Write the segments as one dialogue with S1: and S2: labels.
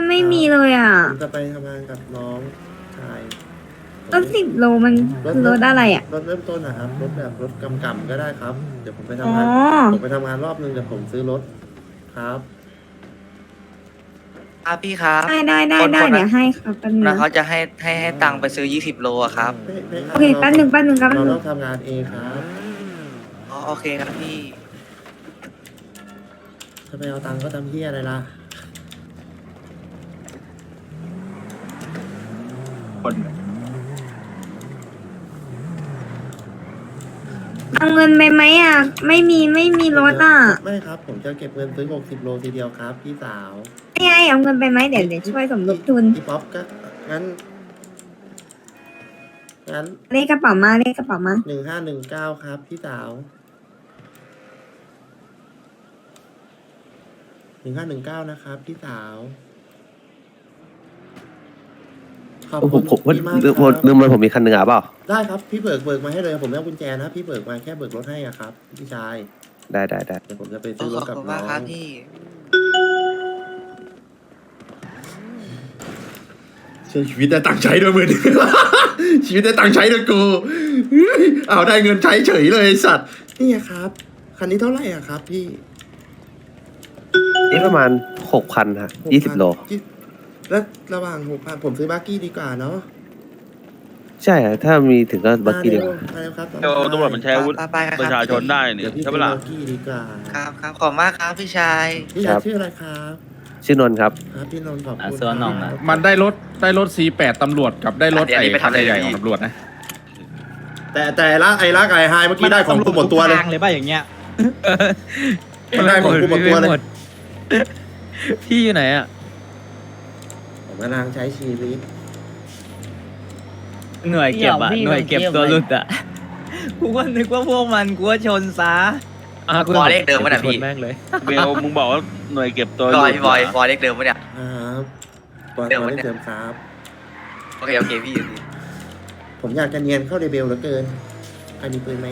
S1: ไม่มีเลยอ่ะ
S2: ผมจะไปทำงานกับน้องชาย
S1: รถ10 โลมันรถอะไรอ่ะ
S2: รถเริ่มต้นนะครับรถแบบรถกำก็ได้ครับเดี๋ยวผมไป
S1: อ๋
S2: ทำ
S1: อ
S2: งานผมไปทำงานรอบนึงเดี๋ยวผมซื้อรถครับ
S3: ครับพี่ครับ
S1: ได้
S3: คน
S1: เดี๋
S3: นั้
S1: ย
S3: น
S1: วให้ครับแป๊บนึง
S3: นะ
S1: นะ
S3: เขาจะให้ตังค์ไปซื้อ20 โลอะครับ
S1: โอเคแป๊บนึงครับ
S2: เราต้องทำงานเองครับ
S3: อ๋อโอเคครับพี่
S2: จะไปเอาตังค์ก็ทำเหี้ยอะไรล่ะ
S4: คน
S1: เอาเงินไปไหมอ่ะ ไม่มีรถอ่ะ
S2: ไม่ครับ ผมจะเก็บเงินซื้อ60 โลทีเดียวครับพี่สาว
S1: ไม่ไงเอาเงินไปไหมเดี๋ยวช่วยสมทบทุน
S2: พี่ป๊อปก็งั้น
S1: เลขกระเป๋ามา
S2: 1519ครับพี่สาว1519นะครับพี่สาวขอบ
S5: ผ
S2: คุ
S5: ม
S2: ณ
S5: ผมว่า
S2: พี่มาก
S5: ลืม
S2: ครับ
S5: ลืมเลยผมมีคันหนึ่งอ่ะเปล่า
S2: ได้ครับพี่เบิกมาให้เลยผมไม่เอากุญแจนะพี่เบิกมาแค่เบิกรถให้อะครับพี่ชาย
S5: ได้
S2: เดี๋ยวผมจะไปซื้อร
S3: ข
S2: ถ
S3: อบ
S2: กับ
S3: คุณ
S2: น้
S3: มา
S2: อก
S3: ครับ
S2: ง
S3: พี่
S2: ชีวิตได้ตังค์ใช้ด้วยมือ ชีวิตได้ตังค์ใช้ด้วยกูเอาได้เงินใช้เฉยเลยไอ้สัตว์นี่ไงครับคันนี้เท่าไหร่อะครับพี่
S5: นี่ประมาณ6,000ฮะ20 โล
S2: แล้วระหว่าง6,000ผมซื้อบักกี้ดีกว่าเนาะ
S5: ใช่อะถ้ามีถึงก็บักกี้เดียว
S2: มาเร็วครับ
S6: เดี๋ยวตำรวจมันใช้อาวุธ
S3: ไปครับ
S6: ประชาชนได้นี่
S2: เดี๋ยวพี่
S6: ใช่
S2: ซื้
S6: ปะ
S2: อ
S6: ล่ะ
S2: บักกี้ดีกว่า
S3: ครับครับขอบมากครับพี่ชาย
S2: พี่ชายชื่ออะไรครับ
S5: ชื่อนนท์ครับ
S2: ครับพี่นนท์ขอบคุณ
S4: ส่วนน้องนะ
S7: มันได้รถ C8 ตำรวจกับได้รถ
S3: อันนี้ไปทำอะไร
S7: ใหญ่ๆของตำรวจนะ
S2: แต่ละไอ้ละไก่ไฮเมื่อกี้ได้ของกูหมดตัวเลย
S4: ทางเลยป่ะอย่างเงี้ย
S2: มันได้ของกูหมดตัวเลย
S4: พี่อยู่ไหนอ่ะ
S2: ผมกำลังใช้ชีวิต
S4: หน่วยเก็บอ่ะหน่วยเก็บตัวหลุดอ่ะกูก็นึกว่าพวกมันกูว่าชนซะ
S3: วอลเลขเดิมป่ะเนี่ยพี่
S4: แม่งเลย
S6: เบลมึงบอกว่าหน่วยเก็บตัว
S3: บอย
S6: หลุด
S3: พี่บอยวอลเลขเดิมป่ะเนี่ย
S2: ครับตอน
S3: เดี๋ยว
S2: นี้
S3: วันเนี่ย
S2: เติมครับ
S3: โอเคพี่
S2: ผมอยากจะเนียนเข้าเดเบลเหลือเกินใครมีปืนไหม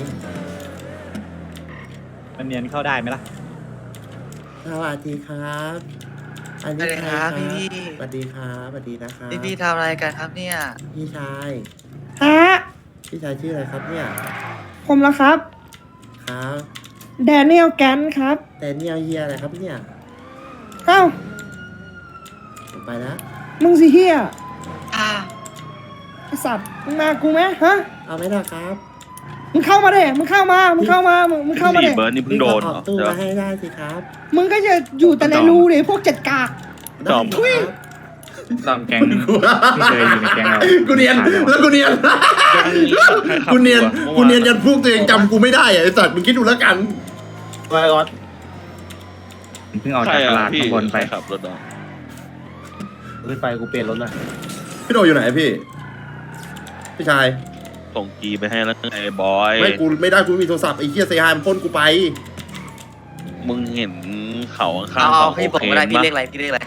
S4: มันเนียนเข้าได้ไหมล่ะ
S2: สวัสดีครับอัน
S3: สวั
S2: นี้
S3: สดี
S2: ใคร
S3: ครับ
S2: ครับ
S3: พี่
S2: สวัสดีครับสวัสดีนะครับ
S3: พี่ทำอะไรกันครับเนี่ย
S2: พี่ชาย
S1: ฮะ
S2: พี่ชายชื่ออะไรครับเนี่ย
S1: ผมแล้วครับ
S2: ครับ
S1: แดเนียลแกนครับ
S2: แต่เนี่ยเฮียอะไรครับเนี่ย
S1: เอ้า
S2: ผมไปแล้ว
S1: มึงสิเฮีย
S3: อ่า
S1: ไอสัตว์ มึงมากูไหมฮะ
S2: เอาไหมล่ะครับ
S1: มึงเข้ามาเด้มึงเข้ามามึงเข้ามาเด้
S6: เบิร์ดนี่เพิ่งโดน
S2: พี่ก็ออกตู้
S6: เหรอ
S2: มาให้ได้สิครับ
S1: มึงก็จะอยู่แต่ในรูเลยพวกเจ็ดกาก
S2: ได้
S6: จอม
S2: ครับ
S7: ตามแก๊งที่เคยอยู่ในแก๊งเรา
S2: กูเนียนแล้วกูเนียนกูเนียนกูเนียนยันพวกตัวเองจำกูไม่ได้อะไอ้สัตว์มึงคิดดูแล้วกัน
S7: เพิ่งออก
S6: ใคร
S7: จากต
S6: อ่ะ
S7: ลาด
S6: พี่
S7: ข้างบนไป
S6: ใครขับรถอ่ะ
S5: ขึ้นไปกูเปลี่ยนรถนะ
S2: พี่โดอยู่ไหนพี่ พี่ชาย
S6: ส่งกีไปให้แล้วไอ้บอย
S2: ไม่กูไม่ได้กูไม่มีโทรศัพท์ไอ้เฮียเซฮายมันพ่นกูไป
S6: มึงเห็นเขาข้าง
S3: เอา
S6: ๆ
S3: เอา
S6: เขา
S3: พี่บอกมาได้พี่เลขอะไรพี่เลขอะไร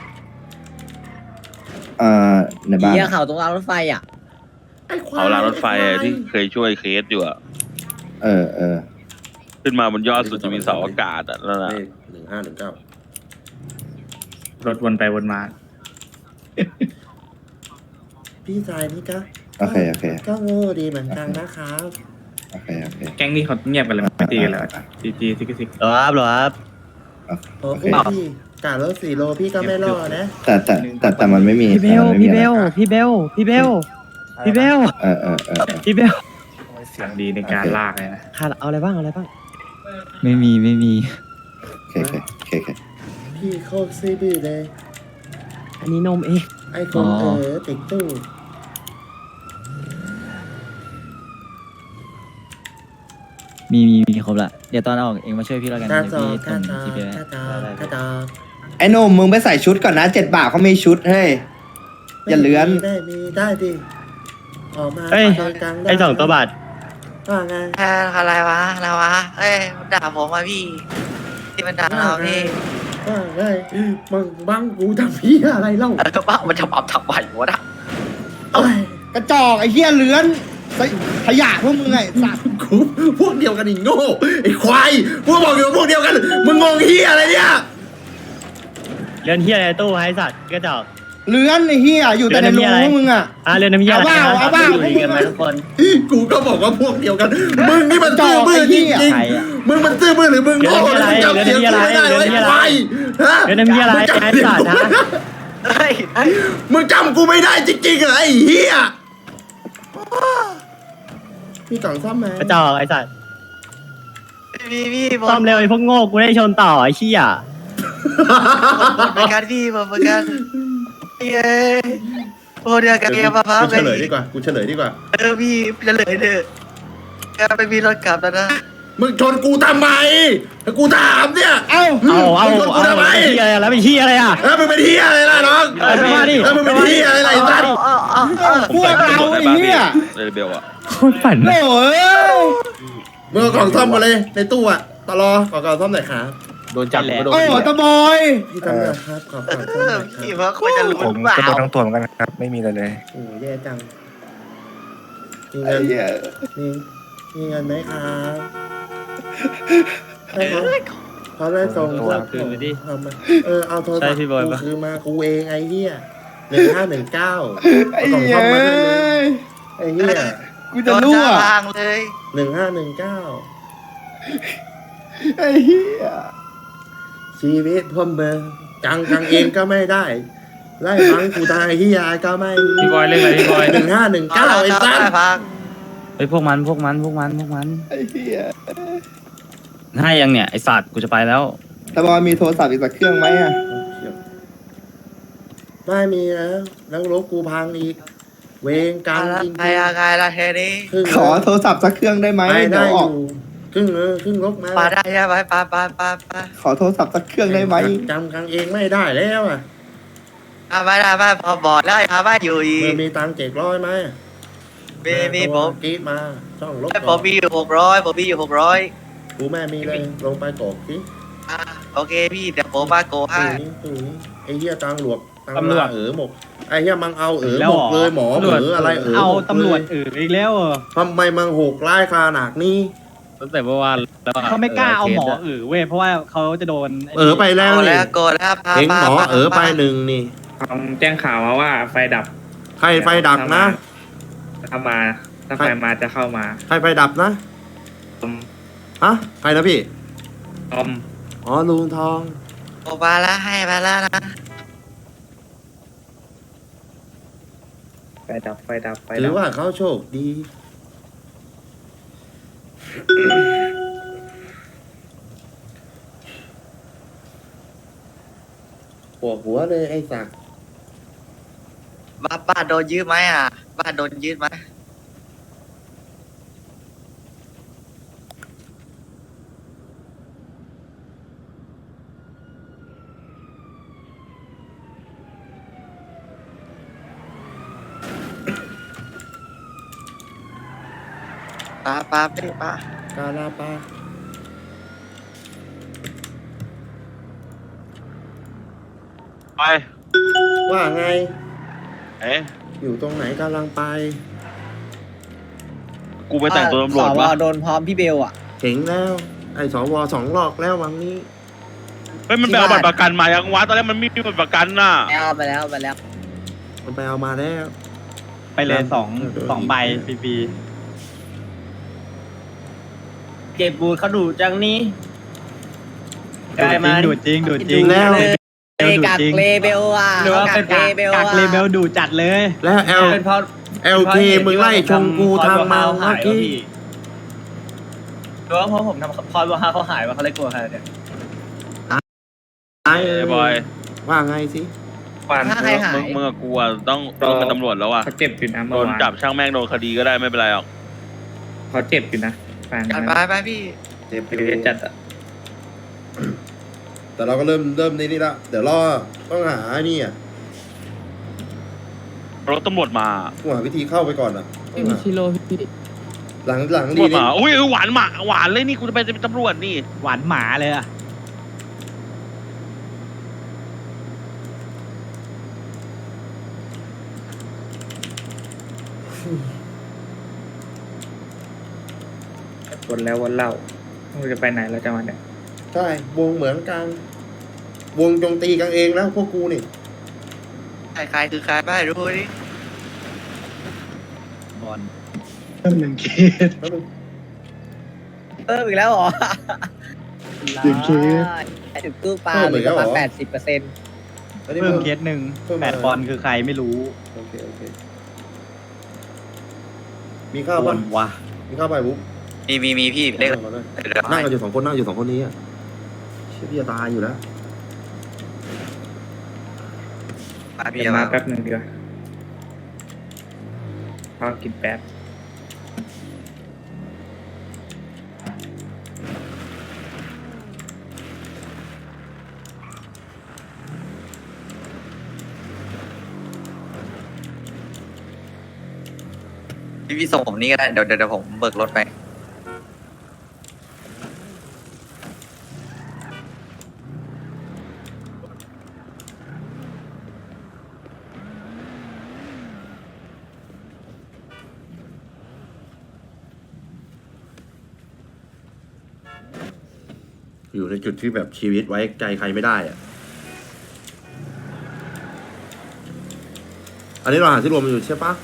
S8: ในบ้าน
S4: เหี้ยเขาตรงรางรถไฟอ่ะ
S2: ไอ้ควาย
S6: เขารางรถไฟ
S2: อ้ควาย
S6: ที่เคยช่วยเคสอยู่อ่ะ
S8: เออ
S6: ขึ้นมาบนยอดสุดจะมีเสาอากาศอ่ะนั่นแหละ
S2: เลข1519
S7: รถวนไปวนมา
S2: พี่ชายนี่ก็
S8: โอเค
S2: ก็โง่ดีเหมือนกันนะครับ
S8: โอเค
S7: แก๊งนี้เขาเงียบกันเลยไม่ตีกันแล้วจีซิกซิก
S4: หรอครับ
S2: โอเคพี่กะรถ4 โลพี่ก็ไม่รอดนะ
S8: แต่มันไม่มี
S4: พี่เบล
S8: แต่มันไม่มีอะไร
S4: พี่เบล พี่เบล
S8: เออ
S4: พี่เบล
S7: เสียงดีในการลากเลยนะ
S4: ขาดเอาอะไรบ้าง ไม่มี
S8: โอเค
S2: พี่โคตรซีบีเลย
S4: อันนี้นมเอง
S2: ไอ้คนติดตู้
S4: มีครบละเดี๋ยวตอนออกเองมาช่วยพี่แล้วกัน
S2: กระ
S4: เดี๋ยว
S2: จอก
S4: พี่
S2: ก
S4: ส่
S2: ระ
S4: ง
S2: จอก
S4: จี
S2: กระจอกกระจอก
S8: ไอ้หนุ่มมึงไปใส่ชุดก่อนนะ7 บาทเขามีชุดเฮ้ย อย่าเลื้อน
S2: ได้มีได้ดิออกมา
S4: เอ้ย
S2: ตอนกลางด้
S4: ไอ้2 ตัวบาท
S2: ว่าไง
S3: อะไรวะเอ้ยมันด่าผมมาพี่ที่มันด่าเราพี่
S2: ว่าไงมึงบังกูทำพี่อะไรเล่า
S3: แล้วบ้ามันจะปรับทำไมวะนะ
S2: เอ้ย
S8: กระจอกไอ้เหี้ยเลื้อนขยะพวกมึงไงสัตว์
S2: กูพวกเดียวกันอีกโง่ไอ้ควายพวกบอกอยู่ว่าพวกเดียวกันมึงงงเฮียอะไรเนี่ย
S4: เรือนเฮียอะไรตู้ให้สัตว์ก็จอก
S8: เลื้อนไอ้เหี้ยอยู่แต่ในรูพวกมึงอ่ะ
S4: เรื่องน้ำยา
S8: เอาบ้าพวกมึง
S2: กูก็บอกว่าพวกเดียวกัน มึงนี่มันซื่อบื้อจริง
S4: ใครอะ
S2: ๆมึงมันซื่อบื้อหรือมึงโง่หรือมึงจำเสียงกูไม่ได้ไอ้ควายฮะ
S4: เรื่องน้ำยาอะไรไอ้สัตว์นะ
S3: เฮ้ยเฮ้ย
S2: มึงจำกูไม่ได้จริงๆเหรอไอ้เหี้ยมีกล่องซ่อมไหม
S4: กระจอกไอ้สัตว์
S3: พี่ผม
S4: ซ่อมเร็วไอ้พวกโง่กูได้ชนต่อไอ้เหี้ย
S3: เหมือนกันพี่ผมเหมือนกันเย้โอ้เดียวกันเกมมะพร้าว
S2: กู
S3: กั
S2: เฉ
S3: น
S2: ลยดีกว่ากูเฉลยดีกว่า
S3: พี่จะเลยเด้อก็ไม่มีรถกลับแล้วนะ
S2: มึงชนกูทำไมกูถามเนี่ย
S8: เอ้า
S2: มึงชนกูทำไม
S4: เหี้ยแล้วเป็นเหี้ยอะไรอ่ะ
S2: เออมึงเป็นเหี้ยอะไรล่ะน้อง
S4: เออมาดิ
S2: เออมึงเป็นเหี้ยอะไรล่ะไอ้สัตว์
S8: พวกเราไอ้เหี้ย
S6: เรเบลอะ
S4: โคตรฝัน
S8: โอ้ย
S2: มึงเอากล่องซ่อมมาเลยในตู้อะตลอขอกล่องซ่อมหน่อยครับ
S5: โดนจับก็โดน
S8: โอ้ตะบอย
S2: พี่ทำหน่อยครับขอกล่องซ่อมหน่อยค
S3: พี่
S2: รับ
S3: ว่าควรจะรู้
S9: ผม
S3: เปล่า
S9: ก็โดนทั้งตัวเหมือนกันครับ ไม่มีอะไรเลย
S2: โอ้แย่จังมี
S8: ไอ้
S2: เงิน
S8: เหี้ย
S2: มีเงินไหมครับให้เขาได้ส่ง
S4: โทรศัพท์คืนไปดิ
S2: เอามาเอาโทรศัพ
S4: ใช่
S2: ท์
S4: พี่บอยปะ
S2: กูคือมากูเองไอ้เหี้ย1519
S8: ไอ้
S2: เอากล่อง
S8: เหี้
S2: ซ่
S8: ย
S2: อมมาให้เลยไอ้เหี้ย
S8: กู
S3: โด
S8: จะ
S3: น
S8: รั่ว
S3: จ้าทางเลย
S2: 1519
S8: ไอ้เหี้ย
S2: ชีวิตพ่อเมืองกังเองก็ไม่ได้ไล่ฟังกูตายเฮียก็ไม่
S7: พี่บอยเล่นอะไรพี่บอย
S2: 1519ไอ้สัส
S3: พัง
S4: ไอ้พวกมัน
S8: ไอ้เหี้ย
S4: ให้ยังเนี่ยไอ้สัตว์กูจะไปแล้ว
S8: ตะบอยมีโทรศัพท์อีกสักเครื่องไหมอ่ะ
S2: ไม่มีแล้วรถกูพังอีก เวงกรรมจริง
S3: ใครยังไงล่ะเทนี้
S2: ครึ่ง
S8: ขอโทรศัพท์สักเครื่องได้ไหม
S2: ไม่
S8: เดี๋
S2: ได้
S8: ยวอ
S2: อ
S8: อก
S2: ยู่ครึ่งรถมา
S3: ปาได้ใช่ไหมปา
S8: ขอโทรศัพท์สักเครื่องได้ไหม
S2: จำกังเองไม่ได้แล้วอ่ะ
S3: ไม่ได้ไม่พอบอกได้ครับว่าอยู่อี
S2: มึ
S3: ก
S2: งมีตังค์700ไหม
S3: มีผม
S2: กรีดมาช่องรถ
S3: ผมมีอยู่600ผมมีอยู่600
S2: กูแม่มีเลยลงไปกอกสิ
S3: โอเคพี่เดี๋ยวผมมาโกให้
S2: ตู้นี้ไอ้เหี้ยตังหลวกตัง
S4: ตำรวจ
S2: หมกไอ้เหี้ยมังเอาหมก
S4: แล้วเหรอ
S2: เลยหมอ
S4: ตำรวจ
S2: อะไรหมก
S4: ตำรวจ
S2: เลย
S4: อีกแล้ว
S2: ทำไมมังหกไล่ขนาดนี้
S4: ตั้งแต่เมื่อวานแล้วเขาไม่กล้าเอาหมอเว้ยเพราะว่าเขาจะโดน
S2: ไปแล้ว
S3: เอา
S2: นี่
S3: แล้วโกแล้วพา
S2: เอ็งหมอไปหนึ่งนี่
S7: แจ้งข่าวมาว่าไฟดับ
S2: ใครไฟดับนะ
S7: ถ้าไฟมาจะเข้ามา
S2: ใครไฟดับนะ
S7: อม
S2: ฮะใครนะพี่
S7: อม
S2: อ๋อลุงทอง
S3: โกมาแล้วให้มาแล้วนะ
S7: ไฟดับ
S2: ถือว่าเขาโชคดี ปวดหัวเลยไอ้สัก
S3: บ้านโดนยืดไหมบ้านโดนยืดไหม ปาพี่ปาก
S2: าลาปา
S6: ไป
S2: ว่าไง
S6: เอ๊ะ
S2: อยู่ตรงไหนกำลังไป
S6: กูไปแต่งตัวตำรวจวะ
S4: โดนพร้อมพี่เบลอ่ะ
S2: เห็นแล้ว ไอ้สว2 รอบแล้ววันนี้
S6: เฮ้ยมันไปเอาบัตรประกันมายังวะตอนแรกมันไม่มีบัตรประกันน่ะ
S4: ไปแล้ว
S2: มันไปเอามาแล้ว
S4: ไปเลยสองใบปีเก็บบูเขาดูจังนี้ดูจริง
S2: แล้ว
S4: กักเลเบลอ่ะหรือว่าเป็นกักเลเบลดูจัดเลย
S2: แล้วLK มึงไล่ชงกูทางมาเมื่อกี้
S4: หรือว่าเพราะผมทำคอยบอกฮาเขาหายว่าเขาเลยกลัวใครเนี่ย
S2: ไอ้
S6: ไอ้บอย
S2: ว่าไงสิ
S7: วัน
S6: มึงกับกูอะต้องเป็นตำรวจแล้วอะ
S7: เขาเจ็บอยู่นะ
S6: โด
S7: เมื่อน วาน
S6: จับช่างแม่งโดนคดีก็ได้ไม่เป็นไรหรอก
S7: เขาเจ็บอยู่นะแฟน
S3: ไปพี่
S2: เจ็บ
S7: ไปเรียนจัดอะ
S2: แต่เราก็เริ่มนี่ละเดี๋ยวรอต้องหาไอ้นี่อ่ะ
S6: รถตำรวจมา
S2: กูหาวิธีเข้าไปก่อนอ่ะต้องหาหลัง
S6: ตำร
S2: ดี
S6: วจ
S2: นี่
S6: มาอุ้ยหวานเลยนี่กูจะไปเป็นตำรวจนี่
S4: หวานหมาเลยอ่ะ
S7: วนแล้ววนเล่าเราจะไปไหนเราจะมาเนี่ย
S2: ใช่วงเหมือนกัน วงโจมตีกันเองแล้วพวกกูนี่
S3: ใครคือใครบ้างรู้ดิ
S4: บอล
S9: เพิ่มหนึ่งเคส
S4: เพิ่มอีกแล้วเหรอ
S9: หนึ่งเคส
S4: ถึงตู้ปลาเหลือประมาณ80%เพิ่มเคสหนึ่ง8 บอลคือใครไม่รู้
S2: โอเคมีข้าวป่ะ
S4: ว่ะ
S2: มีข้าวไปบุ๊บ
S3: มีพี่เล็ก
S2: นั่งกันอยู่สองคนนั่งอยู่สองคนนี้อ่ะเชี่ยพี่จะตายอยู่แล้ว
S7: เดี๋ยวมาแป๊บหนึ่งเดียวพอกินแป๊บ
S3: พี่ส่งผมนี่ก็ได้เดี๋ยวผมเบิกรถไป
S2: อยู่ในจุดที่แบบชีวิตไว้ใจใครไม่ได้อ่ะอันนี้เราหาที่รวมอยู่ใช่ปะ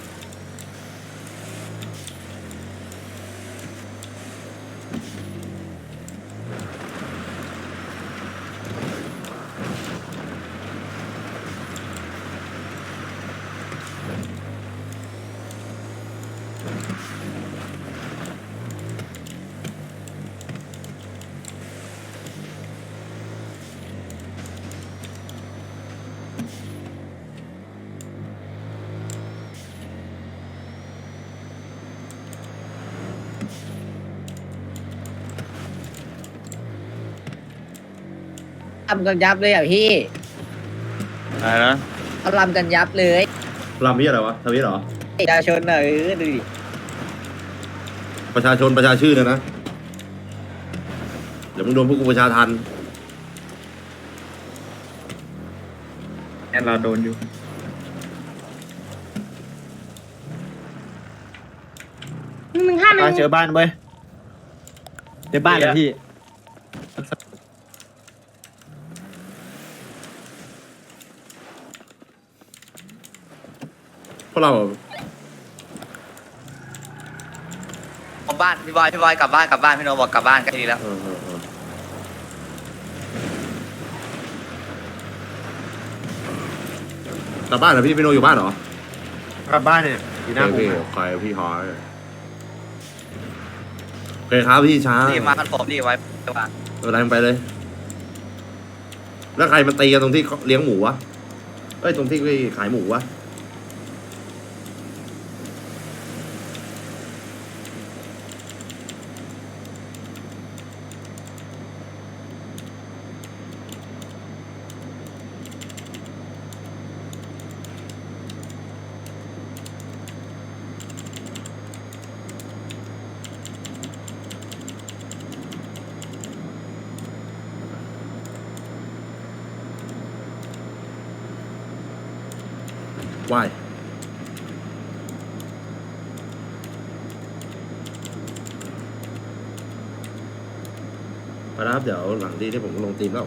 S4: ทำกันยับเลยอ่ะพี่
S6: อะไรนะ
S4: เขาลำกันยับเลย
S2: รำพี่อะไรวะทวิตเหรอ
S4: ประชาชนอ่ะดูดิ
S2: ประชาชนประชาชื่อนะเดี๋ยวมึงโดนพวกกูประชาทัน
S7: แอนเราโดนอยู่
S4: เจอบ้านเว้ยเจอบ้านแล้วพี่
S2: พวกเรา
S3: ผมบ้านพี่บอยกลับบ้านพี่โนบอกกลับบ้านก็ดีแล้ว
S2: กลับบ้านเหรอพี่พี่โนอยู่บ้านเหรอก
S9: ลับบ้านเนี่ยอยู่หน้าผม
S2: พี่ใครพี่ฮอยโอเคครับพี่ช้า
S3: รีบมากันผมรีบไว้วาง
S2: อะไรไปเลย แล้วใครมันตีกันตรงที่เลี้ยงหมูวะเอ้ยตรงที่ขายหมูวะว่ายไปแล้วครับเดี๋ยวหลังที่ผมลงทีมแล้ว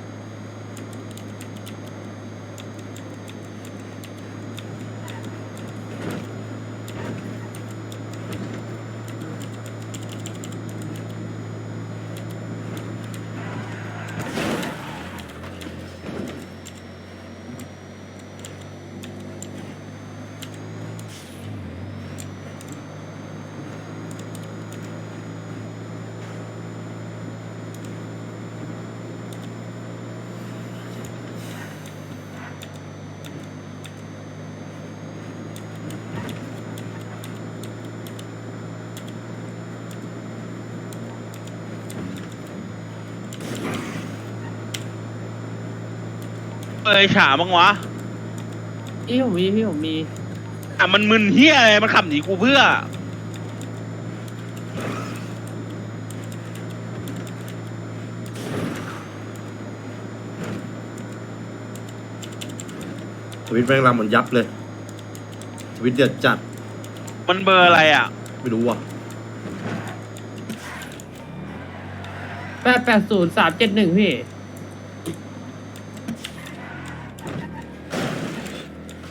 S6: เอ้ยฉาบ้างวะ
S4: พี่ผมมี
S6: อ่ะมันมึนเฮียอะไรมันขับหนีกูเพื่อ
S2: ทวิตแม่งรำเหมือนยับเลยทวิตเดือดจัด
S6: มันเบอร์อะไรอ่ะ
S2: ไม่รู้ว่ะ
S4: 880371พี่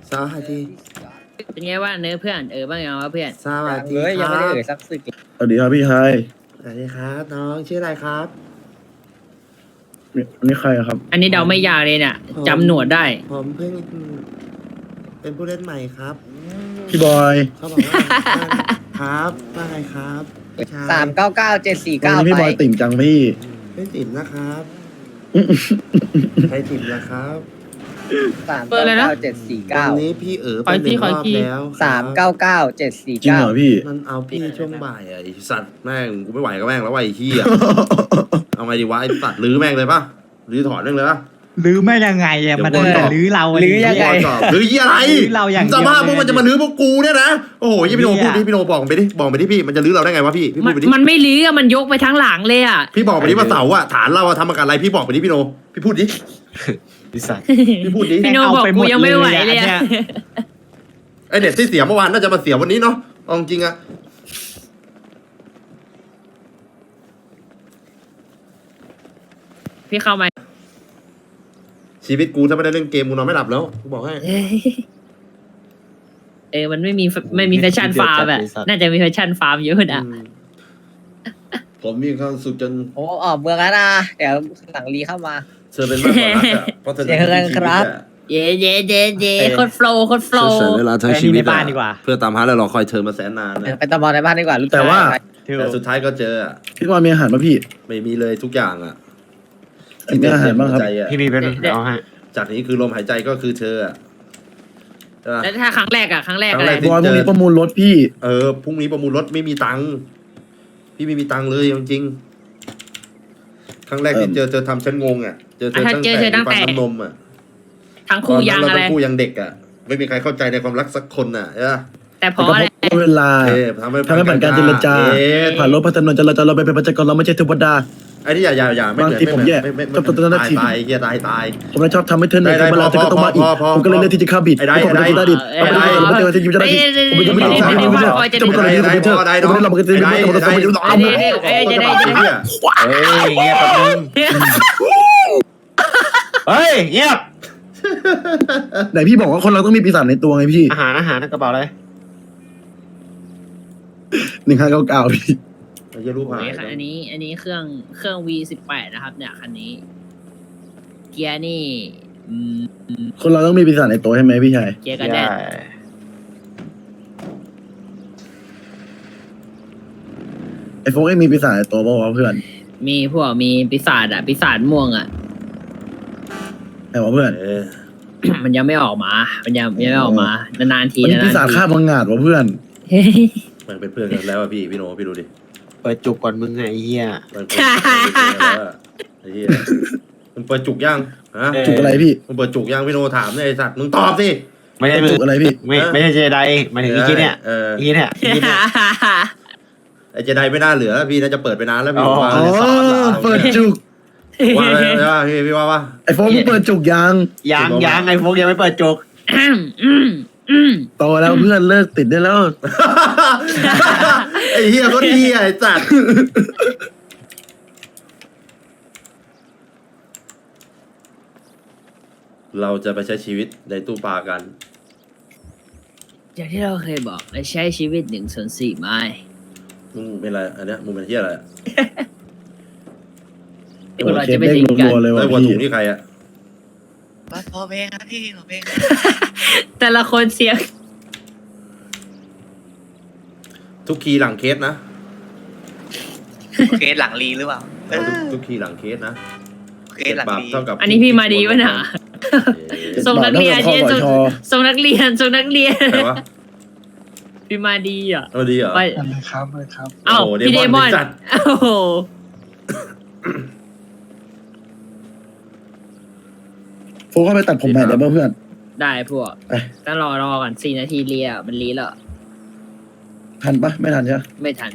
S2: สวัสดี
S4: เป็นไงว่าเนื้อเพื่อนบ้างยังวะเพื่อน
S2: สวัสดี
S4: เอ้ย
S2: ค
S4: ยัง
S2: รั
S4: ไม่ได้
S2: บ
S4: เอ่ยสักสึก
S5: สวัสดีครับพี่ชาย
S2: สวัสดีครับน้องชื่ออะไรครับ
S5: อันนี้ใครอะครับ
S4: อันนี้เดาไม่ยากเลยเนี่ยจำหนวดได้
S2: ผมเพิ่งเป็นผู้เล่นใหม่ครับ
S5: พี่บอย
S2: เขาบอกว่าครับว่าไงครับใช่
S5: วันนี้พี่บอยติ่มจังพี่
S2: ไม่ติดนะครับใครติดนะครับ
S4: เบอร์อะไรนะ
S2: วันนี้พี่ไปหนึ่งรอบแล้วครับ
S5: จริงเหรอพี่
S2: มันเอาพี่ช่วงบ่ายอะไอ้สัตว์แม่งกูไม่ไหวกับแม่งแล้วไอ้เหี้ยเอาไงดีวะไอ้สัตว์ลื้อแม่งเลยปะลื้อถอดแม่งเลยปะ
S7: ลื้อไม่ยังไงอะมัน
S2: เดี๋ยวก่อน
S7: ลื้อเรา
S4: ลื้อยังไง
S2: ลื้อเหี้ยอะไร
S7: ลื้อเราอย่างเดี
S2: ส
S7: ยว
S2: ภาพพวกมันจะมาลื้อพวกกูเนี่ยนะโอ้โหยี่พี่โนพูดดิพี่โนบอกไปดิบอกไปดิพี่มันจะลื้อเราได้ไงวะพี่พูดไปดิ
S4: มันไม่ลื้อมันยกไปทั้งหลังเลยอ่ะ
S2: พี่บอกไปดิว่าเสาอะฐานเราอะทำมากับอะไรพี่บอกไปดิพี่โนพี่พูดดิพี่พูดดิ
S4: พี่โนบอกกูยังไม่ไหวเลยอะ
S2: ไอเน็ตที่เสียเมื่อวานน่าจะมาเสียวันนี้เนาะเอาจริงอะ
S4: พี่เข้ามา
S2: ชีวิตกูถ้าไม่ได้เล่นเกมกูนอนไม่หลับแล้วกูบอกให้
S4: มันไม่มีแฟชั่นฟาร์มอะน่าจะมีแฟชั่นฟาร์มเยอะนะ
S2: ผมมีความสุขจน
S10: โอ้ออกเมืองแล้วนะ เดี๋ยวหลังรีเข้ามา
S2: เธอเป็นมากกว่ารักอะเพราะเธอ
S10: เจอกันครับ
S4: เย่โคตรโฟล์โคตรโฟล์
S2: เสียเวลาทั้งชีวิต
S7: ในบ้านดีกว่า
S2: เพื่อตามหาแล้วรอคอยเธอมาแสนนาน
S10: เดี๋ยว
S2: นะ
S10: ไปตะบอลในบ้านดีกว่ารู้จัก
S5: แต่ว่า
S2: แต่สุดท้ายก็เจออะ
S5: พี่บอยมีอาหารป่ะพี่
S2: ไม่มีเลยทุกอย่างอะ
S5: มีอาหารบ้างครับ
S2: ใจอะ
S7: พี่มีเป็นเอาฮะ
S2: จากนี้คือลมหายใจก็คือเธออะใช่ปะ
S4: แล้วถ้าครั้งแรกอะไร
S2: ครั้งแรก
S5: บอยพรุ่งนี้ประมูลรถพี่
S2: พรุ่งนี้ประมูลรถไม่มีตังค์พี่ไม่มีตังค์เลยจริงๆครั้งแรกที่เจอทำฉันงงอะเจอเธอตั้งแต่ฟันน้ำนมอะ
S4: ทั้งคู่ยัง
S2: ตนนั้น
S4: อะไร
S2: เราทั้งคู่ยังเด็กอะไม่มีใครเข้าใจในความรักสักคนอะใช่ปะ
S4: แต่พ
S5: แต่
S4: อ
S5: ก็
S4: อะไร
S5: เพราะเวลา
S2: ทำให้
S5: ทำให้ผ่านการเจรจา ผ่านรถพัฒนาจราจรเราไปเป็นประชากรเราไม่ใช่เทวดา
S2: ไอ้นี่อย่าไม่
S5: บาง
S2: เหมือน
S5: ทีผมแย่
S2: ไม่
S5: ชอบตอนนั้น
S2: ตาย
S5: ที
S2: ตายเฮียตาย
S5: ผมเลยชอบทำให้เธอเหนื่อย
S2: ได้
S5: เวลาเธอก็ต้องมาอีก
S2: พอ
S5: ผมก็เลยเลือกที่จะฆ่าบิด
S2: ไอ้ได้
S5: ผมก็เลยดิผมไม่ได้จะยิ้มจะได้ดิผมไม่ยิ้มไม่ได้ผมไม่ยิ้มไม่ได้จะมาเลยผมเจอผมไม่ได้เราไม่ได้เราไม่ได้เราไม่ได้เราไม่ได้เราไม่ได้
S7: เฮ้ยเงียบแป๊บนึงเฮ้ยเงียบ
S5: ไหนพี่บอกว่าคนเราต้องมีปีศาจในตัวไงพี่
S7: อาหารในกระเป๋าเลย
S5: 1599พี่
S2: ไอ้เหี้ยรูปหาย
S4: อันนี้เครื่อง V18 นะครับเนี่ยคันนี้ เกียร์นี่
S5: คนเราต้องมีปีศาจในตัวใช่ไหมพี่ชาย
S4: เกียร์กระแดด
S5: ไอ้โฟกเองมีปีศาจในตัวป่าวะเพื่อน
S4: มีปีศาจปีศาจม่วงอ่ะ
S5: ไอ้วะเพื่อน
S4: มันยังไม่ออกมา มันยังไม่ออกมานานๆที
S5: มันมีปีศาจฆ่ามังงาดวะเพื่อน
S2: มันเป็นเพื่อนกันแล้วอะพี่โนพี่ดูดิ
S7: เปิดจุกก่อนมึงไงไอ้เหี้ย
S2: มันเป็นเพื่อนกันแล้วอะไอ้เหี้ยมันเปิดจุกยังฮะ
S5: จุกอะไรพี่
S2: มันเปิดจุกยังพี่โนถามเนี่ยไอ้สัตว์มึงตอบสิ
S7: ไม่ใช่
S5: จุกอะไรพี่
S7: ไม่ใช่เจไดหมายถึงอีกทีเนี่ย อีกทีเนี่ย
S2: ไอ้เจไดไม่น่าเหลือพี่น่าจะเปิดไปนานแล้วพี่
S7: อ๋อ
S2: ว่า
S5: อ๋อเปิดจุก
S2: ว่าพี่ว่า
S5: ไอ้โฟกมึงเปิดจุกยัง
S7: ยังไอ้พวกยังไม่เปิดจุก
S5: โตแล้วเพื่อนเลิกติดได้แล้ว
S2: ไอ้เหี้ยก็เหี้ยไอ้สัตว์เราจะไปใช้ชีวิตในตู้ปลากัน
S4: อย่างที่เราเคยบอกเราใช้ชีวิต1/4ไม้
S2: มึงเป็นอะไรอันเนี้ยมึงเป็นเหี้ยอะไรอะ
S4: พวกเราจะไม่ทิ้งกัน
S5: รัวๆเลย
S2: ไอ้
S5: ว่ะ
S2: หัวถุ
S5: พี่
S2: งนี่ใครอะ
S10: พอเพลงครับพี่พอเพลง
S4: แต่ละคนเสียง
S2: ทุกคีย์หลังเคสนะ
S3: เคสหลังรีหรือเปล่า
S2: ทุกคีย์หลังเคสนะ
S3: เคสหลัง
S2: ปรับ
S3: รี
S2: เท่ากับ
S4: อันนี้พี่มาดีวะน่ะ ส่งนักเรียนเนี่ยส่งนักเรียน
S2: ใครวะ
S4: พี่มาดีอ่ะ
S2: เอาดีเหรอ
S4: ไป
S9: อะไรครับอะไรครับ
S4: เอ้า
S2: โอ้โห
S4: พี่เดมอน
S2: เดมอนเป็นสัตว์
S4: โอ้โห
S5: โฟกเข้าไปตัดผมใหม่ได้ป่ะเพื่อน
S4: ได้พวก
S5: เอ้ย
S4: ต้องรอก่อน4 นาทีเรียมันรีแล้ว
S5: ทันปะไม่ทันใช่ไหม
S4: ไม่ทัน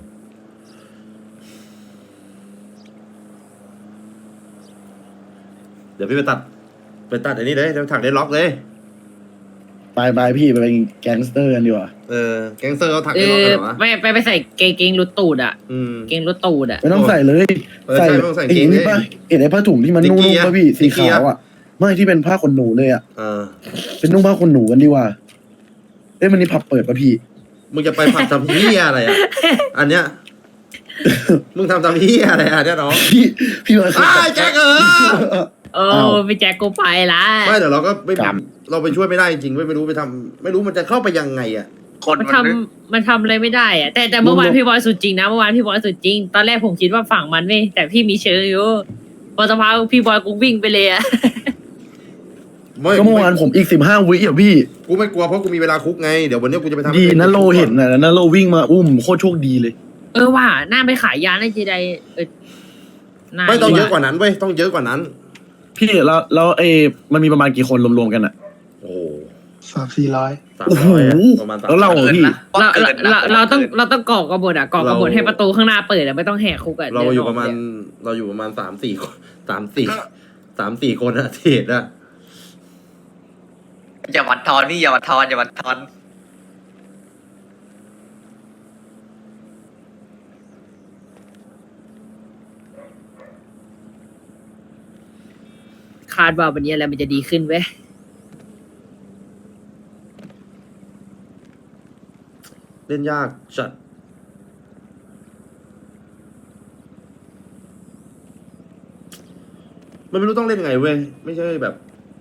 S2: เดี๋ยวพี่ไปตัดอันนี้เลยเดี๋ยวถักได้ล็อกเลย
S5: ไปพี่ไปเป็นแก๊งสเตอร์กันดีกว่า
S2: แก๊งเซอร์เขาถัก
S4: เอ
S2: ได้ล็อก
S4: อ
S2: กันเหรอวะ
S4: ไปใส่เกงรุดตูดอ่ะ เกงรุดตูดอ่ะ
S5: ไม่ต้องใส่เลย
S2: ใช่ไม่ต้องใส่
S5: ไอ้
S2: เกง
S5: นี่ปะเห็นไอ้ผ้าถุงที่มันนุ่มๆป่ะพี่สีขาวอ่ะไม่ที่เป็นผ้าขนหนูเลยอ่ะ เป็นนุ่งผ้าขนหนูกันดีกว่ามันนี่ผับเปิดป่ะพี่
S2: มึงจะไปผัดทำเหี้ยอะไรอ่ะ อันเนี้ย มึงทำเหี้ยอะไรอ่ะเนี่ยน้อง
S5: พี่มา
S2: แจ็ค
S1: โอ้พี่แจ็คกูไปละ
S2: ไม่เดี๋ยวเราก็ไม่เราไปช่วยไม่ได้จริงไม่รู้ไปทำไม่รู้มันจะเข้าไปยังไงอ่ะ
S3: คน
S1: มันทำอะไรไม่ได้อะแต่เมื่อวานพี่บอยสุดจริงนะเมื่อวานพี่บอยสุดจริงตอนแรกผมคิดว่าฝั่งมันเว้ยแต่พี่มีเชิงอยู่พอสภาพี่บอยกูวิ่งไปเลยอะ
S5: ก็เมื่อวานผมอีก15 วิอ่ะพี่
S2: กูไม่กลัวเพราะกูมีเวลาคุกไงเดี๋ยววันนี้กูจะไปทำ
S5: ดีนะโลเห็นนะโลวิ่งมาโคตรโชคดีเลย
S1: ว่าหน้าไปขายยาในจีได
S2: ไม่ต้องเยอะกว่านั้นเว้ยต้องเยอะกว่านั้น
S5: พี่แล้วมันมีประมาณกี่คนรวมๆกันอ่ะ
S2: โอ้
S9: 300-400
S5: โอ้โห
S2: ประมาณ
S5: แล้วเราพี่
S1: เราต้องก่อกระบฏก่อกระบฏให้ประตูข้างหน้าเปิดไม่ต้องแหกคุก
S2: เราอยู่ประมาณ3-4 คน3-4 คนอะเทศอะ
S3: อย่าวัดทอนพี่อย่าวัดทอนอย่าวัดทอน
S1: คาดว่าวันนี้อะไรมันจะดีขึ้นเว้ย
S2: เล่นยากจัดมันไม่รู้ต้องเล่นยังไงเว้ยไม่ใช่แบบ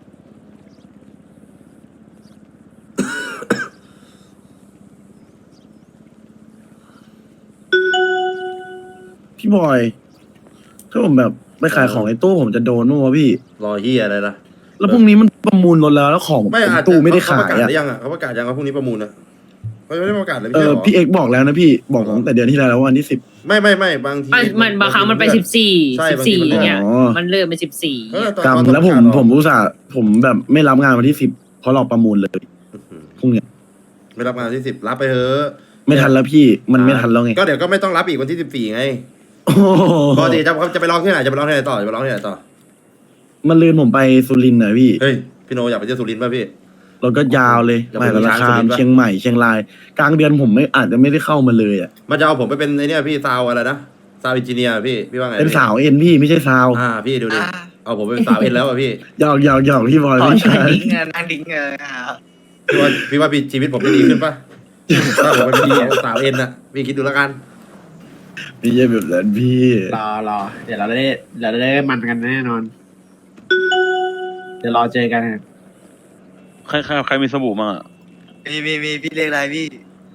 S5: พี่บอยถ้าผมแบบไปขายของในตู้ผมจะโดนมั้งวะพี่
S2: รอเฮียอะไรล่ะ
S5: แล้วพรุ่งนี้มันประมูลรถแล้วของผม
S2: ไม่อาจ
S5: ตู้ไม่ได้
S2: เขา
S5: ขา
S2: ประ
S5: ย
S2: กาศ
S5: อ่ะ
S2: หรือยังอ่ะเขาประกาศยังว่าพรุ่งนี้ประมูลนะเขาไม่ได้ประกาศเลยไม่ใช่หรอ
S5: พี่เอกบอกแล้วนะพี่บอกตั้งแต่เดือนที่แล้ววันที่10
S2: ไม่บางที
S1: มันบางครั้งมันไป14อย่างเงี้ย
S5: อ๋อ
S1: มันเริ่มเป็น14
S5: กรรมแล้วผมอุตส่าห์ผมแบบไม่รับงานวันที่10เพราะรอประมูลเลยพรุ่งเนี้ย
S2: ไม่รับงานวันที่10รับไปเถอะ
S5: ไม่ทันแล้วพี่มันไม่ทันแล้วไง
S2: ก็เดี๋ยวก็ไม่ต้องรับอีกวันที่14ไง
S5: โอ้โห
S2: ปกติจะไปร้องที่ไหนจะไปร้องที่ไหนต่อจะไปร้องที่ไหนต่อ
S5: มันลืนผมไปสุรินทร์นะพี่
S2: เฮ้ยพี่โนอยากไปเที่ยวสุรินทร์ป่ะพี่
S5: เราก็ยาวเลย
S2: อย่า
S5: ไป
S2: ไป
S5: ราคา
S2: ช้างสุรินทร์ปะ
S5: เชียงใหม่เชียงราย กลางเดือนผมอาจจะไม่ได้เข้ามาเลยอ่ะ
S2: มันจะเอาผมไปเป็นไอเนี่ยพี่ซาวอะไรนะซาวอินจิเนียร์พี่ว่าไง
S5: เป็นสาวเอ็นพี่ไม่ใช่สาว
S2: พี่ดูดิเอาผมไปเป็นสาวเอ็นแล้วอ่ะพี่
S5: หยอกพี่บอยไม่ใช่
S3: นั่งดิ้ง
S2: พี่ว่าชีวิตผมจะดีขึ้นป่ะถ้าผมไปเป็นสาวเอ็นอะพี่คิดดูแล้วกัน
S5: ไม่ใช่แบบนั้นพี่
S9: รอเดี๋ยวเราได้มันกันแน่นอน เดี๋ยวรอเจอกัน
S6: ใครมีสบู่มา
S3: มีพี่เรียกอะไรพี่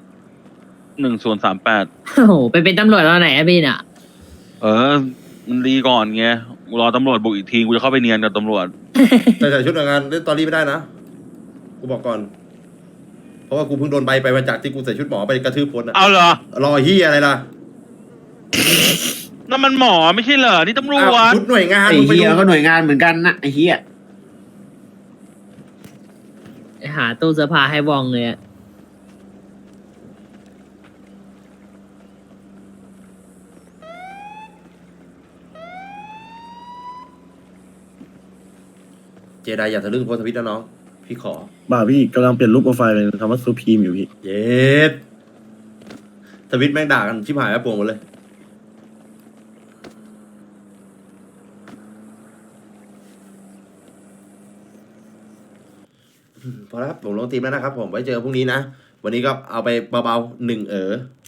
S6: 1038
S1: โอ้โหไปเป็นตำรวจตอนไหนอะพี่น่ะ
S6: มันดีก่อนไงกูรอตำรวจบุกอีกทีกูจะเข้าไปเนียนกับตำรวจ
S2: แต่ใส่ชุดหน่วยงานเล่นตอรี่ไม่ได้นะกูบอกก่อน เพราะว่ากูเพิ่งโดนใบไปมาจากที่กูใส่ชุดหมอไปกระทืบคนอะ
S6: เอาเหรอ
S2: รอเฮียอะไรล่ะ
S6: นั่นมันหมอไม่ใช่เหรอนี่ตำรว
S2: อ้าว
S6: จ
S2: ชุดหน่วยงาน
S9: ไอ้
S2: มึงไป
S9: เฮีย
S2: ดู
S9: ก็หน่วยงานเหมือนกันนะไอ้เฮีย
S1: หาตู้เสื้อผ้าให้วองเลยอะ
S2: เจไดอย่าทะลึ่งโพสต์ทวิตนะน้องพี่ขอ
S5: บ่าพี่กำลังเปลี่ยนรูปโปรไฟล์เป็นคำว่าซูพีมอยู่พี่
S2: เย็ดทวิตแม่งด่ากันชิบหายแม่ปวงหมดเลยพอแล้วครับผมลงทีมแล้วนะครับผมไว้เจอพรุ่งนี้นะ วันนี้ก็เอาไปเบาๆ1